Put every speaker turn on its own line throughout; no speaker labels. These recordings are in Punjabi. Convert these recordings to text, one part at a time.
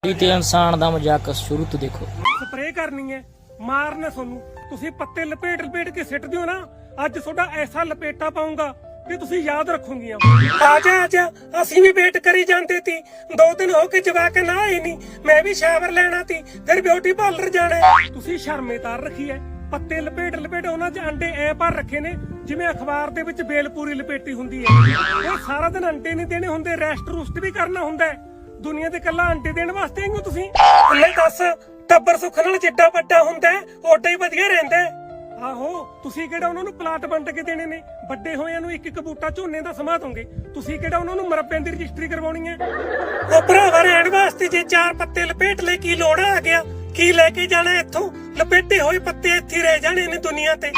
ਤੇ ਇਨਸਾਨ ਦਾ ਮਜ਼ਾਕ ਸ਼ੁਰੂ ਤੋਂ ਦੇਖੋ।
ਸਪਰੇਅ ਕਰਨੀ ਹੈ, ਮਾਰਨਾ ਤੁਹਾਨੂੰ। ਤੁਸੀਂ ਪੱਤੇ ਲਪੇਟ ਲਪੇਟ ਕੇ ਸਿੱਟ ਦਿਓ ਨਾ, ਅੱਜ ਤੁਹਾਡਾ ਐਸਾ ਲਪੇਟਾ ਪਾਉਂਗਾ ਕਿ ਤੁਸੀਂ ਯਾਦ ਰੱਖੋਗੀਆਂ। ਆ ਜਾ ਅਸੀਂ ਵੀ ਵੇਟ ਕਰੀ ਜਾਂਦੇ ਤੀ, 2 ਦਿਨ ਹੋ ਕੇ ਜਵਾਕ ਨਾ ਆਈ ਨਹੀਂ। ਮੈਂ ਵੀ ਸ਼ਾਵਰ ਲੈਣਾ ਤੀ, ਫਿਰ ਬਿਊਟੀ ਪਾਰਲਰ ਜਾਣਾ। ਤੁਸੀਂ ਸ਼ਰਮੇਦਾਰ ਰੱਖੀ ਐ, ਪੱਤੇ ਲਪੇਟ ਲਪੇਟ ਉਹਨਾਂ 'ਚ ਅੰਡੇ ਐ ਭਰ ਰੱਖੇ ਨੇ ਜਿਵੇਂ ਅਖਬਾਰ ਦੇ ਵਿੱਚ ਬੇਲਪੂਰੀ ਲਪੇਟੀ ਹੁੰਦੀ ਹੈ। ਉਹ ਸਾਰਾ ਦਿਨ ਅੰਡੇ ਨਹੀਂ ਦੇਣੇ ਹੁੰਦੇ, ਰੈਸਟ ਰੂਸਟ ਵੀ ਕਰਨਾ ਹੁੰਦਾ। ਦੁਨੀਆ ਤੇ ਕੱਲਾ ਅੰਡੇ ਦੇਣ ਵਾਸਤੇ ਆਈ ਹੋ ਤੁਸੀਂ? ਲੈ ਦੱਸ, ਟੱਬਰ ਸੁੱਖ ਨਾਲ ਜਿੱਡਾ ਵੱਡਾ ਹੁੰਦਾ ਓਡਾ ਹੀ ਵਧੀਆ ਰਹਿੰਦਾ। ਆਹੋ, ਤੁਸੀਂ ਕਿਹੜਾ ਉਹਨਾਂ ਨੂੰ ਪਲਾਟ ਵੰਡ ਕੇ ਦੇਣੇ ਨੇ? ਵੱਡੇ ਹੋਇਆਂ ਨੂੰ ਇੱਕ ਇੱਕ ਬੂਟਾ ਝੋਨੇ ਦਾ ਸਮਾ ਦੋਗੇ। ਤੁਸੀਂ ਕਿਹੜਾ ਉਹਨਾਂ ਨੂੰ ਮਰੱਬਿਆਂ ਦੀ ਰਜਿਸਟਰੀ ਕਰਵਾਉਣੀ ਹੈ? ਉਹ ਭਰਾਵਾ ਰਹਿਣ ਵਾਸਤੇ ਜੇ 4 ਪੱਤੇ ਲਪੇਟ ਲੈ ਕੀ ਲੋੜ ਆ ਗਿਆ? ਕੀ ਲੈ ਕੇ ਜਾਣਾ ਇੱਥੋਂ? ਲਪੇਟੇ ਹੋਏ ਪੱਤੇ ਇੱਥੇ ਰਹਿ ਜਾਣੇ ਨੇ ਦੁਨੀਆ ਤੇ।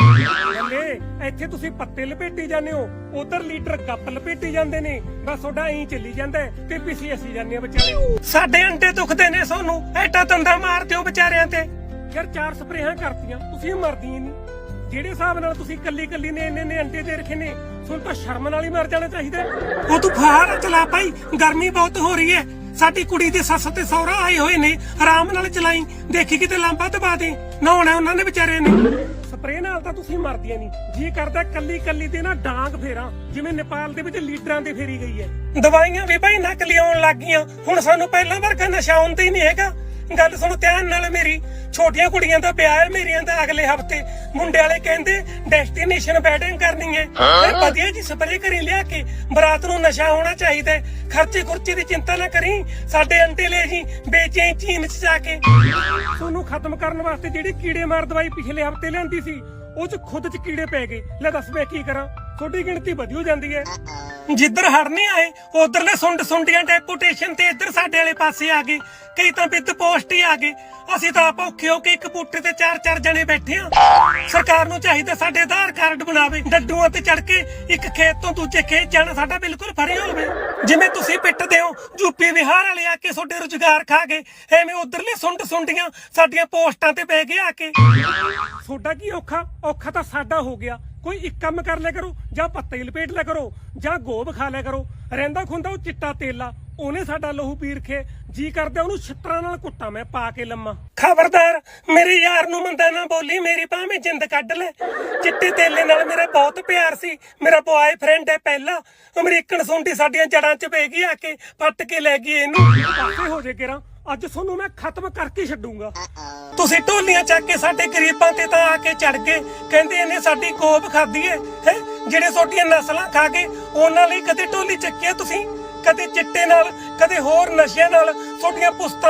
ਇੱਥੇ ਤੁਸੀਂ ਪੱਤੇ ਲਪੇਟੀ ਜਾਂਦੇ ਹੋ, ਉਧਰ ਲੀਟਰ ਗੱਪ ਲਪੇਟੀ ਜਾਂਦੇ ਨੇ। ਬਸ ਤੁਹਾਡਾ ਐਂ ਚੱਲੀ ਜਾਂਦਾ ਤੇ ਪਿੱਛੇ ਅਸੀਂ ਜਾਂਦੇ ਆ ਵਿਚਾਰੇ। ਸਾਡੇ ਅੰਡੇ ਦੁਖਦੇ ਨੇ, ਸਾਨੂੰ ਐਡਾ ਦੰਦਾ ਮਾਰ ਦਿਓ ਵਿਚਾਰਿਆਂ ਤੇ। ਯਾਰ 4 ਸਪਰੇਹਾਂ ਕਰਤੀਆਂ, ਤੁਸੀਂ ਮਰਦੀਆਂ ਨਹੀਂ। ਜਿਹੜੇ ਹਿਸਾਬ ਨਾਲ ਤੁਸੀਂ ਕੱਲੀ ਨੇ ਇੰਨੇ ਅੰਡੇ ਦੇ ਰੱਖੇ ਨੇ, ਤੁਹਾਨੂੰ ਤਾਂ ਸ਼ਰਮ ਨਾਲ ਹੀ ਮਰ ਜਾਣਾ ਚਾਹੀਦਾ। ਉਹ ਤੂੰ ਫਾਰ ਚਲਾ ਭਾਈ, ਗਰਮੀ ਬਹੁਤ ਹੋ ਰਹੀ ਹੈ। ਸਾਡੀ ਕੁੜੀ ਦੇ ਸੱਸ ਤੇ ਸਹੁਰਾ ਆਏ ਹੋਏ ਨੇ, ਆਰਾਮ ਨਾਲ ਚਲਾਈ, ਦੇਖੀ ਕਿਤੇ ਲਾਂਬਾ ਦਬਾ ਦੇ। ਨਹਾਉਣਾ ਉਹਨਾਂ ਨੇ ਵਿਚਾਰੇ ਨੇ। ਸਪਰੇਅ ਨਾਲ ਤਾਂ ਤੁਸੀਂ ਮਰਦੀਆਂ ਨਹੀਂ। ਜੀ ਕਰਦਾ ਕੱਲੀ ਦੇ ਨਾ ਡਾਂਗ ਫੇਰਾਂ, ਜਿਵੇਂ ਨੇਪਾਲ ਦੇ ਵਿੱਚ ਲੀਡਰਾਂ ਦੇ ਫੇਰੀ ਗਈ ਹੈ। ਦਵਾਈਆਂ ਵੀ ਭਾਈ ਨਕਲੀ ਆਉਣ ਲੱਗ ਗਈਆਂ, ਹੁਣ ਸਾਨੂੰ ਪਹਿਲਾਂ ਵਰਗਾ ਨਸ਼ਾ ਹੁੰਦਾ ਹੀ ਨਹੀਂ ਹੈਗਾ। ਗੱਲ ਸੁਣ ਧਿਆਨ ਨਾਲ ਮੇਰੀ, ਛੋਟੀਆਂ ਕੁੜੀਆਂ ਦਾ ਵਿਆਹ ਹੈ ਮੇਰੀਆਂ ਦਾ ਅਗਲੇ ਹਫਤੇ। ਮੁੰਡੇ ਵਾਲੇ ਕਹਿੰਦੇ ਡੈਸਟੀਨੇਸ਼ਨ ਵੈਡਿੰਗ ਕਰਨੀ ਹੈ। ਵਧੀਆ ਜੀ ਸਪਰੇਅ ਕਰੀ ਲਿਆ ਕੇ, ਬਰਾਤ ਨੂੰ ਨਸ਼ਾ ਹੋਣਾ ਚਾਹੀਦਾ। ਖਰਚੇ ਖੁਰਚੇ ਦੀ ਚਿੰਤਾ ਨਾ ਕਰੀ, ਸਾਡੇ ਅੰਡੇ ਲੈ ਜੀ ਵੇਚੇ ਚੀਨ ਚ ਜਾ ਕੇ। ਤੁਹਾਨੂੰ ਖਤਮ ਕਰਨ ਵਾਸਤੇ ਜਿਹੜੀ ਕੀੜੇ ਮਾਰ ਦਵਾਈ ਪਿਛਲੇ ਹਫਤੇ ਲਿਆਂਦੀ ਸੀ, ਉਹ ਚ ਖੁਦ ਚ ਕੀੜੇ ਪੈ ਗਏ। ਲੈ ਦੱਸ ਮੈਂ ਕੀ ਕਰਾਂ? ਤੁਹਾਡੀ ਗਿਣਤੀ ਵਧੀ ਜਾਂਦੀ ਹੈ। ਜਿੱਧਰ ਹੜ ਨਹੀਂ ਆਏ ਉਧਰਲੇ ਸੁੰਡੀਆਂ ਡੈਪੂਟੇਸ਼ਨ ਤੇ ਇੱਧਰ ਸਾਡੇ ਵਾਲੇ ਪਾਸੇ ਆ ਗਏ। ਕਈ ਤਾਂ ਵਿਦ ਪੋਸਟ ਹੀ ਆ ਗਏ। ਅਸੀਂ ਤਾਂ ਆਪ ਔਖੇ ਹੋ ਕੇ ਇੱਕ ਬੂਟੇ ਤੇ 4-4 ਜਣੇ ਬੈਠੇ ਆ। ਸਰਕਾਰ ਨੂੰ ਚਾਹੀਦਾ ਸਾਡੇ ਆਧਾਰ ਕਾਰਡ ਬਣਾਵੇ, ਡੱਡੂਆਂ ਤੇ ਚੜ ਕੇ ਇੱਕ ਖੇਤ ਤੋਂ ਦੂਜੇ ਖੇਤ ਜਾਣਾ ਸਾਡਾ ਬਿਲਕੁਲ ਫਰੀ ਹੋਵੇ। ਜਿਵੇਂ ਤੁਸੀਂ ਪਿੱਟਦੇ ਹੋ ਯੂਪੀ ਬਿਹਾਰ ਵਾਲੇ ਆ ਕੇ ਤੁਹਾਡੇ ਰੁਜ਼ਗਾਰ ਖਾ ਗਏ, ਐਵੇਂ ਉਧਰਲੇ ਸੁੰਡੀਆਂ ਸਾਡੀਆਂ ਪੋਸਟਾਂ ਤੇ ਬਹਿ ਗਏ ਆ ਕੇ। ਤੁਹਾਡਾ ਕੀ ਔਖਾ ਤਾਂ ਸਾਡਾ ਹੋ ਗਿਆ। ਕੋਈ ਇੱਕ ਕੰਮ ਕਰ ਲਿਆ ਕਰੋ, ਜਾਂ ਪੱਤੇ ਲਪੇਟ ਲਿਆ ਕਰੋ, ਜਾਂ ਗੋਬ ਖਾ ਲਿਆ ਕਰੋ। ਰਹਿੰਦਾ ਖੁੰਦਾ ਉਹ ਚਿੱਟਾ ਤੇਲਾ, ਉਹਨੇ ਸਾਡਾ ਲਹੂ ਪੀ ਰਖੇ। ਜੀ ਕਰਦਾ ਉਹਨੂੰ ਛਿੱਤਰਾਂ ਨਾਲ ਕੁੱਟਾਂ ਮੈਂ ਪਾ ਕੇ ਲੰਮਾ। ਖਬਰਦਾਰ ਮੇਰੇ ਯਾਰ ਨੂੰ ਮੰਦਾ ਨਾ ਬੋਲੀ, ਮੇਰੀ ਭਾਵੇਂ ਜਿੰਦ ਕੱਢ ਲੈ। ਚਿੱਟੇ ਤੇਲੇ ਨਾਲ ਮੇਰਾ ਬਹੁਤ ਪਿਆਰ ਸੀ, ਮੇਰਾ ਬॉयਫ੍ਰੈਂਡ ਹੈ ਪਹਿਲਾ। ਅਮਰੀਕਨ ਸੁੰਡੀ ਸਾਡੀਆਂ ਜੜਾਂ 'ਚ ਪੈ ਗਈ ਆ ਕੇ, ਪੱਟ ਕੇ ਲੈ ਗਈ ਇਹਨੂੰ। ਪਾਸੇ ਹੋ ਜੇ ਕੇਰਾ, ਅੱਜ ਤੁਹਾਨੂੰ ਮੈਂ ਖਤਮ ਕਰਕੇ ਛੱਡੂੰਗਾ। ਤੁਸੀਂ ਢੋਲੀਆਂ ਚੱਕ ਕੇ ਸਾਡੇ ਗਰੀਬਾਂ ਤੇ ਤਾਂ ਆ ਕੇ ਚੜ ਗਏ, ਕਹਿੰਦੇ ਇਹਨੇ ਸਾਡੀ ਗੋਬ ਖਾਧੀ ਹੈ। ਜਿਹੜੇ ਤੁਹਾਡੀਆਂ ਨਸਲਾਂ ਖਾ ਗਏ ਉਹਨਾਂ ਲਈ ਕਦੇ ਢੋਲੀ ਚੱਕਿਆ ਤੁਸੀਂ? ਕਦੇ ਚਿੱਟੇ ਨਾਲ, ਕਦੇ ਹੋਰ ਨਸ਼ਿਆਂ ਨਾਲ ਤੁਹਾਡੀਆਂ ਪੁਸਤਾਂ